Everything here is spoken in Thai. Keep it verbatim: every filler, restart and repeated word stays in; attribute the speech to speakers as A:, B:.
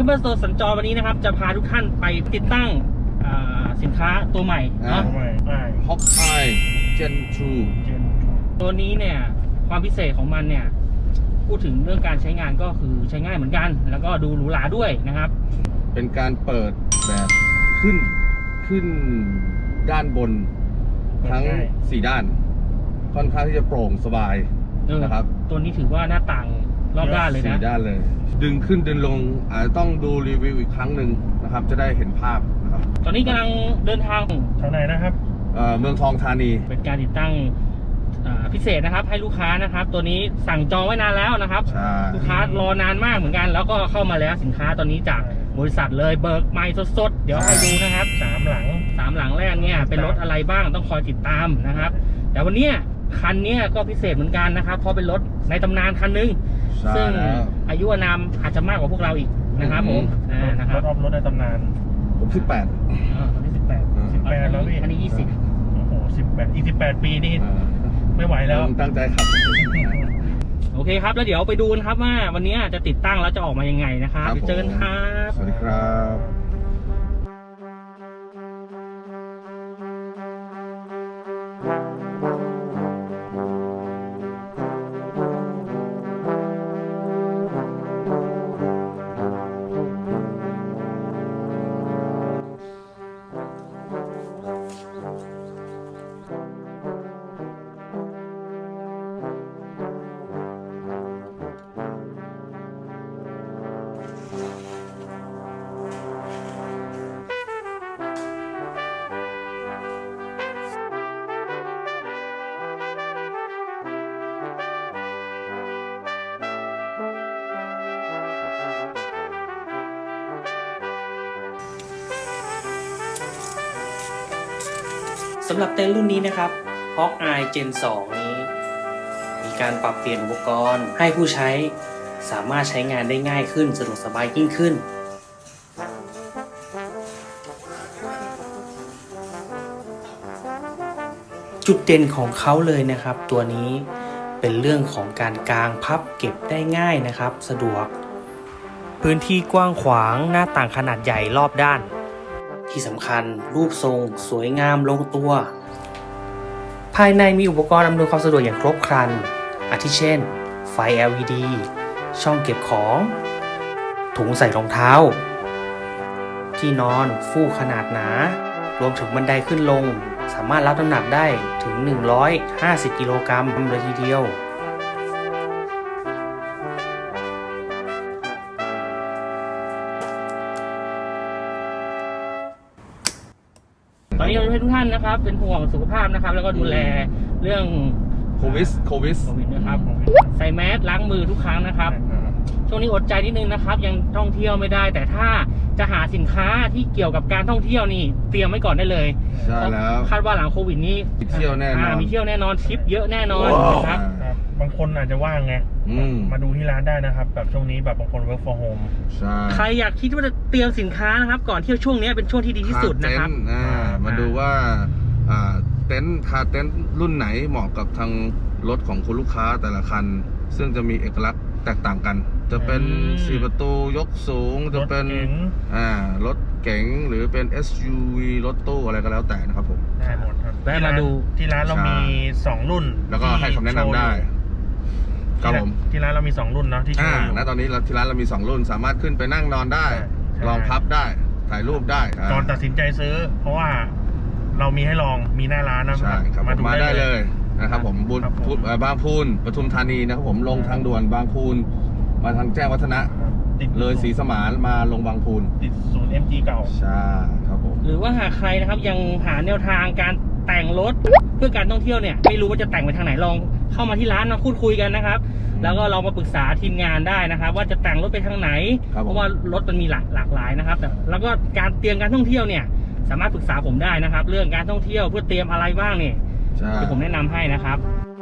A: เบอร์โซสัญจรวันนี้นะครับจะพาทุกท่านไปติดตั้งสินค้าตัวใหม่เนาะ
B: ฮอกอายเจนทู
A: ตัวนี้เนี่ยความพิเศษของมันเนี่ยพูดถึงเรื่องการใช้งานก็คือใช้ง่ายเหมือนกันแล้วก็ดูหรูหราด้วยนะครับ
B: เป็นการเปิดแบบขึ้นขึ้นด้านบนทั้งสี่ด้านค่อนข้างที่จะโปร่งสบายนะครับ
A: ตัวนี้ถือว่าหน้าต่างรอบด้านเลยนะ
B: สี่ด้านเลยดึงขึ้นดึงลงอาจจะต้องดูรีวิวอีกครั้งหนึ่งนะครับจะได้เห็นภาพนะครับ
A: ตอนนี้กำลังเดินทาง
C: ทางไหนนะครับ
B: เมืองทองธานี
A: เป็นการติดตั้งพิเศษนะครับให้ลูกค้านะครับตัวนี้สั่งจองไว้นานแล้วนะครับลูกค้ารอนานมากเหมือนกันแล้วก็เข้ามาแล้วสินค้าตอนนี้จากบริษัทเลยเบิกใหม่สดๆเดี๋ยวให้ดูนะครับสามหลังสามหลังแรกเนี่ยเป็นรถอะไรบ้างต้องคอยติดตามนะครับแต่วันนี้คันนี้ก็พิเศษเหมือนกันนะครับเพราะเป็นรถในตำนานคันนึงซึ่งอายุอานามอาจจะมากกว่าพวกเราอีกนะครับผม
C: นะครับรถในตำนาน
B: ผมสิบแปด
A: ตอนนี้สิบแปด
C: สิบแปดแล้วพี่
A: อันนี้ยี่สิบ
C: โอ้โหสิบแปดอีกสิบแปดปีนี่ไม่ไหวแล้ว
B: ตั้งใจขับ
A: โอเคครับแล้วเดี๋ยวไปดูกันครับว่าวันนี้จะติดตั้งแล้วจะออกมายังไงนะครับเจอกันครับ
B: สวัสดีครับ
A: สำหรับเต็นท์รุ่นนี้นะครับ Hawkeye Gen สองนี้มีการปรับเปลี่ยนอุปกรณ์ให้ผู้ใช้สามารถใช้งานได้ง่ายขึ้นสะดวกสบายยิ่งขึ้นจุดเด่นของเขาเลยนะครับตัวนี้เป็นเรื่องของการกางพับเก็บได้ง่ายนะครับสะดวกพื้นที่กว้างขวางหน้าต่างขนาดใหญ่รอบด้านที่สำคัญรูปทรงสวยงามลงตัวภายในมีอุปกรณ์อำนวยความสะดวกอย่างครบครันอาทิเช่นไฟ แอล อี ดี ช่องเก็บของถุงใส่รองเท้าที่นอนฟูกขนาดหนารวมถึงบันไดขึ้นลงสามารถรับน้ำหนักได้ถึงหนึ่งร้อยห้าสิบกิโลกรัมเลยทีเดียวตอนนี้เราให้ทุกท่านนะครับเป็นห่วงสุขภาพนะครับแล้วก็ดูแลเรื่อง
B: โควิดโควิด
A: โควิดนะครับใส่แมสล้างมือทุกครั้งนะครับช่วงนี้อดใจนิดนึงนะครับยังท่องเที่ยวไม่ได้แต่ถ้าจะหาสินค้าที่เกี่ยวกับการท่องเที่ยวนี่เตรียมไว้ก่อนได้เลย
B: ใช่แล้ว
A: คาดว่าหลังโควิดนี้
B: มีเที่ยวแน่นอน
A: มีเที่ยวแน่นอนทริปเยอะแน่นอนครับ
C: บางคนอาจจะว่างไงมาดูที่ร้านได้นะครับแบบช่วงนี้แบบบางคน work from home
A: ใครอยากคิดว่าจะเตรียมสินค้านะครับก่อนเที่ยวช่วงนี้เป็นช่วงที่ดีที่สุดนะครับ
B: มาดูว่าเต็นท์คาเต็นท์รุ่นไหนเหมาะกับทางรถของคุณลูกค้าแต่ละคันซึ่งจะมีเอกลักษณ์แตกต่างกันจะเป็นสี่ประตูยกสูงจะเป็นอ่ารถเก๋งหรือเป็น เอส ยู วี รถตู้อะไรก็แล้วแต่นะครับผม
C: ได้หมดครับแวะมาดูที่ร้านเรามีสองรุ่น
B: แล้วก็ให้คำแนะนำได้ครับผม
C: ที่ร้านเรามีสองรุ่นเนาะที่
B: อ่าณตอนนี้ที่ร้านเรามีสองรุ่นสามารถขึ้นไปนั่งนอนได้ลองพับได้ถ่ายรูปได้
C: ก่อนตัดสินใจซื้อเพราะว่าเรามีให้ลองมีหน้าร้านนะ
B: มาดูได้เลยนะครับผมบุญบางพูนปทุมธานีนะครับผมลงทางด่วนบางพูนมาทางแจ้งวัฒนะเลยศรีสมานมาลงบางพูน
C: ติดศูนย์ เอ็ม จี เก่า
B: ใช่ครับผม
A: หรือว่าหากใครนะครับยังหาแนวทางการแต่งรถเพื่อการท่องเที่ยวเนี่ยไม่รู้ว่าจะแต่งไปทางไหนลองเข้ามาที่ร้านมาพูดคุยกันนะครับแล้วก็เรามาปรึกษาทีมงานได้นะครับว่าจะแต่งรถไปทางไหนเพราะว่ารถมันมีหลากหลากหลายนะครับแต่แล้วก็การเตรียมการท่องเที่ยวเนี่ยสามารถปรึกษาผมได้นะครับเรื่องการท่องเที่ยวเพื่อเตรียมอะไรบ้างเนี่ยที่ผมแนะนำให้นะครับ